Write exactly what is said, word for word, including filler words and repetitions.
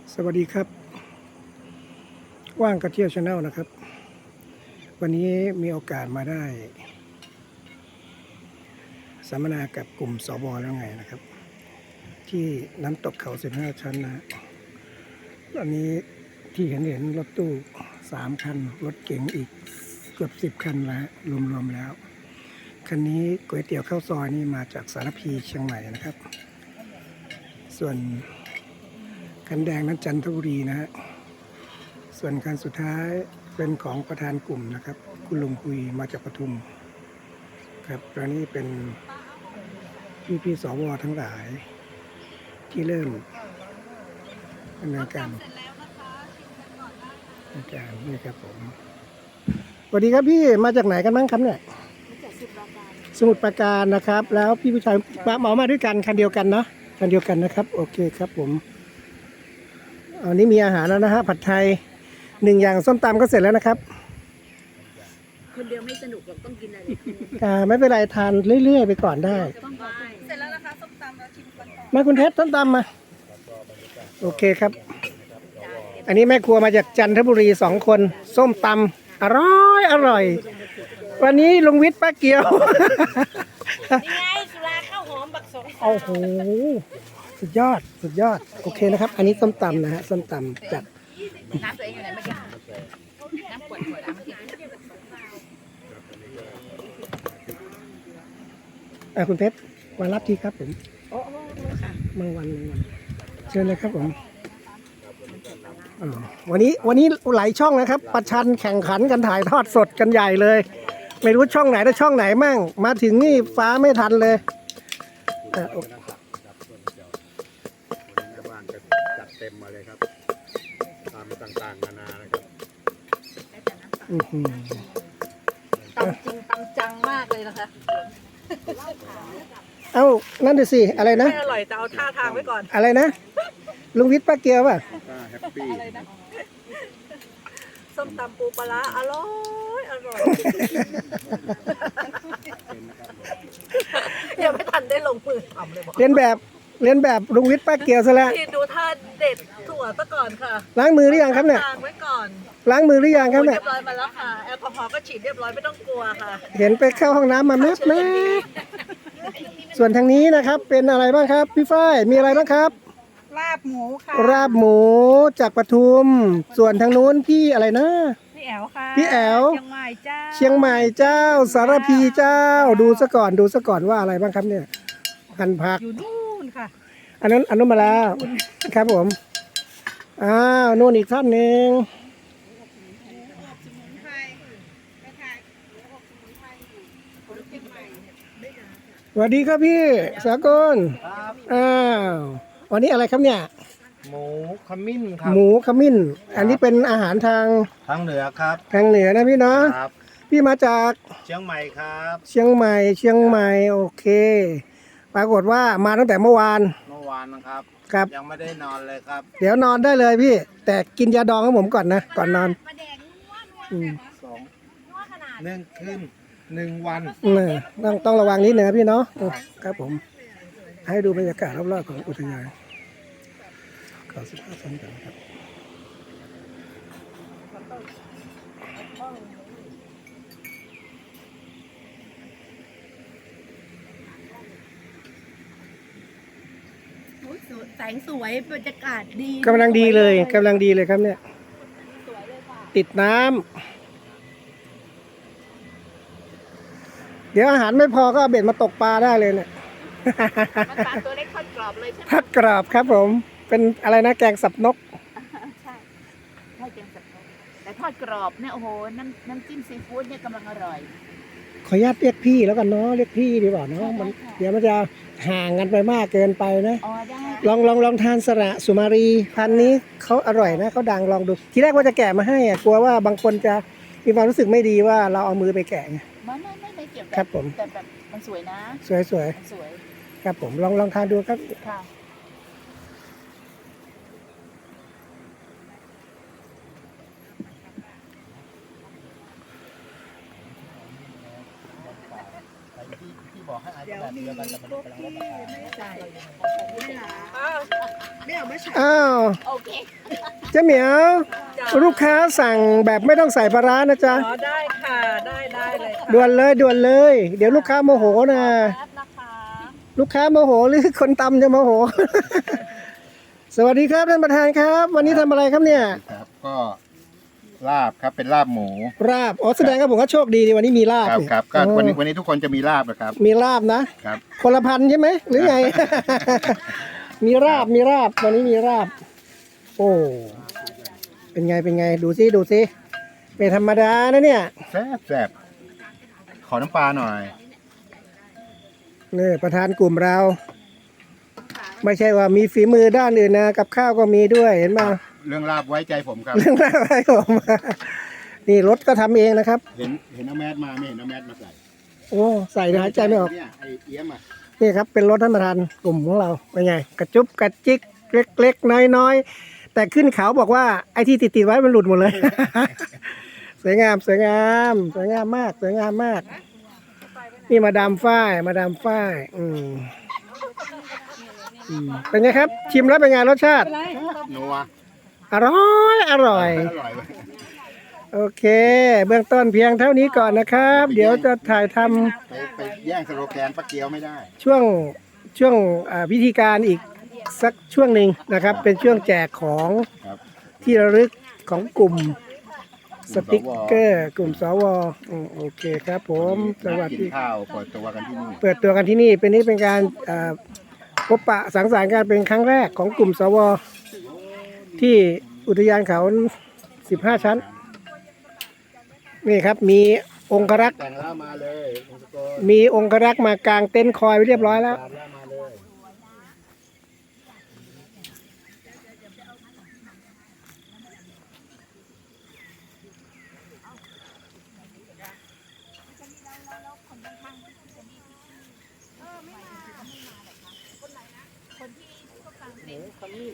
สวัสดีครับว่างกระเที่ยวชาแนลนะครับวันนี้มีโอกาสมาได้สัมมนากับกลุ่มสวแล้วไงนะครับที่น้ำตกเขาสิบห้าชั้นนะตอนนี้ที่เห็นเห็นรถตู้สามคันรถเก๋งอีกเกือบสิบคันแล้วรวมๆแล้วคันนี้ก๋วยเตี๋ยวข้าวซอยนี่มาจากสารพีเชียงใหม่นะครับส่วนคันแดงนั้นจันทบุรีนะฮะส่วนคันสุดท้ายเป็นของประธานกลุ่มนะครับคุณลุงคุยมาจากปทุมครับตอนนี้เป็นพี่พี่สวทั้งหลายที่เริ่มดำเนินการในการนี่ครับผมสวัสดีครับพี่มาจากไหนกันบ้างครับเนี่ยสมุทรปราการนะครับแล้วพี่ผู้ชายมาเหมามาด้วยกันคันเดียวกันเนาะคันเดียวกันนะครับโอเคครับผมอันนี้มีอาหารแล้วนะฮะผัดไทยหนึ่งอย่างส้มตำก็เสร็จแล้วนะครับคนเดียวไม่สนุกหรอกต้องกินอะไรอ่าไม่เป็นไรทานเรื่อยๆไปก่อนได้เสร็จแล้วนะคะส้มตำเราชิมกันก่อนมาคุณเพชรส้มตำมาโอเคครับอันนี้แม่ครัวมาจากจันทบุรีสองคนส้มตำอร่อยอร่อยวันนี้ลุงวิทย์ป้าเกียวนี่ไงสุราข้าวหอมบักสองโอ้โหสุดยอดสุดยอดโอเคนะครับอันนี้ส้มตำนะฮะส้มตำจัดน้ำตัวเองอยู่ไหนเมื่อกี้น้ำขวดขวดน้ำเมื่อกี้อ่ะคุณเพชรมารับทีครับผมโอ้โหค่ะบางวันบางวันเชิญเลยครับผมวันนี้วันนี้หลายช่องนะครับประชันแข่งขันกันถ่ายทอดสดกันใหญ่เลยไม่รู้ช่องไหนแต่ช่องไหนมั่งมาถึงนี่ฟ้าไม่ทันเลยจัดเต็มมาเลยครับตามต่างๆนานานะครับตำจริงตำจังมากเลยนะคะเอ้านั่นดูสิอะไรนะไม่อร่อยแต่เอาท่าทางไว้ก่อนอะไรนะลุงวิทย์ป้าเกียวป่ะแฮปปี้ส้มตำปูปลาอร่อยอร่อยยังไม่ทันได้ลงมือทำเลยบอกเรียนแบบเรียนแบบลุงวิทย์ป้าเกียวซะแล้วที่ดูท่าเด็ดถั่วซะก่อนค่ะล้างมือหรือยังครับเนี่ยล้างไว้ก่อนล้างมือหรือยังครับเนี่ยเรียบร้อยมาแล้วค่ะแอลกอฮอล์ก็ฉีดเรียบร้อยไม่ต้องกลัวค่ะเห็นไปเข้าห้องน้ำมาแมบแมบส่วนทางนี้นะครับเป็นอะไรบ้างครับพี่ฝ้ายมีอะไรบ้างครับลาบหมูค่ะลาบหมูจากปทุมส่วนทางนู้นพี่อะไรนะพี่แอลค่ะพี่แอลเชียงใหม่เจ้าเชียงใหม่เจ้าสารพีเจ้าดูซะก่อนดูซะก่อนว่าอะไรบ้างครับเนี่ยหั่นผักอยู่นู่นค่ะอันนั้นอันนู้นมาแล้วครับผมอ้าวนู่นอีกท่านหนึ่งสวัสดีครับพี่สากลอ้าววันนี้อะไรครับเนี่ยหมูขมิ้นครับหมูขมิ้นอันนี้เป็นอาหารทางทางเหนือครับทางเหนือนะพี่เนาะครับพี่มาจากเชียงใหม่ครับเชียงใหม่เชียงใหม่โอเคปรากฏว่ามาตั้งแต่เมื่อวานเมื่อวานนะครับครับยังไม่ได้นอนเลยครับเดี๋ยวนอนได้เลยพี่แต่กินยาดองของผมก่อนนะก่อนนอนสองหนึ่งคืนหนึ่งวันต้องต้องระวังนิดนึงนะพี่เนาะครับผมให้ดูบรรยากาศรอบๆของอุทยานเขาสิบห้าชั้นกันครับแสงสวยบรรยากาศดีกำลังดีเลยกำลังดีเลยครับเนี่ยติดน้ำเดี๋ยวอาหารไม่พอก็เอาเบ็ดมาตกปลาได้เลยเนี่ยปลาตัวเล็กทอดกรอบเลยใช่ไหมทอดกรอบครับผมเป็นอะไรนะแกงสับนกใช่ใช่แกงสับนกแต่ทอดกรอบเนี่ยโอ้โหน้ำน้ำจิ้มซีฟู้ดเนี่ยกำลังอร่อยขออนุญาตเรียกพี่แล้วกันเนาะเรียกพี่ดีกว่าเนาะมันเดี๋ยวมันจะห่างกันไปมากเกินไปนะลองลองลองทานสระสุมารีพันนี้เขาอร่อยนะเขาดังลองดูทีแรกว่าจะแกะมาให้อ่ะกลัวว่าบางคนจะมีความรู้สึกไม่ดีว่าเราเอามือไปแกะไงไม่ไม่ไม่ไม่เกี่ยวครับผมแต่แบบมันสวยนะสวยสวยสวยครับผมลองลองทานดูครับค่ะที่บ่อให้อายแบบเดียวกันแต่มันกำลังลดราคาใช่ไม่เอาไม่ใช่อ้าวโอเคเจ๊เหมียว ลูกค้าสั่งแบบไม่ต้องใส่ปลาร้านะจ๊ะอ๋อได้ค่ะ ได้ได้เลยค่ะด่วนเลยด่วนเลย เดี๋ยวลูกค้าโมโหนะแป๊บนะคะลูกค้าโมโหหรือคนตำจะโมโห สวัสดีครับท่านประธานครับ วันนี้ทำอะไรครับเนี่ยครับก็ลาบครับเป็นลาบหมูราบ อ๋อแสดงว่าผมก็โชคดีดีวันนี้มีลาบครับเนี่ยครับก็อ๋อวันนี้วันนี้ทุกคนจะมีลาบนะครับมีลาบนะครับคนละพันใช่ไหมหรือไง มีราบมีราบวันนี้มีราบ โอ้เป็นไงเป็นไงดูซิดูซิไม่ธรรมดานะเนี่ยแซ่บแซ่บขอน้ำปลาหน่อยนี่ประธานกลุ่มเรา ไม่ใช่ว่ามีฝีมือด้านอื่นนะกับข้าวก็มีด้วยเห็นไหมเรื่องลาบไว้ใจผมครับเรื่องอะไรผมนี่รถก็ทำเองนะครับเห็นเห็นเอาแมสมาไม่เห็นเอาแมสมาใส่โอ้ใส่หายใจไม่ออกเนี่ยไอเอี้ยมอ่ะนี่ครับเป็นรถท่านประธานกลุ่มของเราเป็นไง กระจุบกระจิกเล็กๆน้อยๆแต่ขึ้นเขาบอกว่าไอ้ที่ติดๆไว้มันหลุดหมดเลย สวยงามสวยงามสวยงามมากสวยงามมาก นี่มาดามฝ้ายมาดามฝ้ายอืมอืมเป็นไงครับ ชิมแล้วเป็นไงรสชาตินัวอร่อยอร่อยอร่อยเว้ยโอเค เบื้องต้นเพียงเท่านี้ก่อนนะครับ เดี๋ยวจะถ่ายทำไปไปแย่งสโลแกนป้าเกียวไม่ได้ช่วงช่วงอ่าพิธีการอีกสักช่วงหนึ่งนะครับ เป็นช่วงแจกของครับที่ระลึกของกลุ่มสติกเกอร์กลุ่มสวอืมโอเคครับผมสวัสกินดีข้าวเปิดตัวกันที่นี่เปิดตัวกันที่นี่เป็นนี้เป็นการอ่าพบปะสังสรรค์กันเป็นครั้งแรกของกลุ่มสวที่อุทยานเขาสิบห้าชั้น นี่ครับมีองครักษ์แต่งแล้วมาเลยองค์สกลมีองครักษ์มากางเต็นท์คอยไว้เรียบร้อยแล้วตามแล้วมาเลย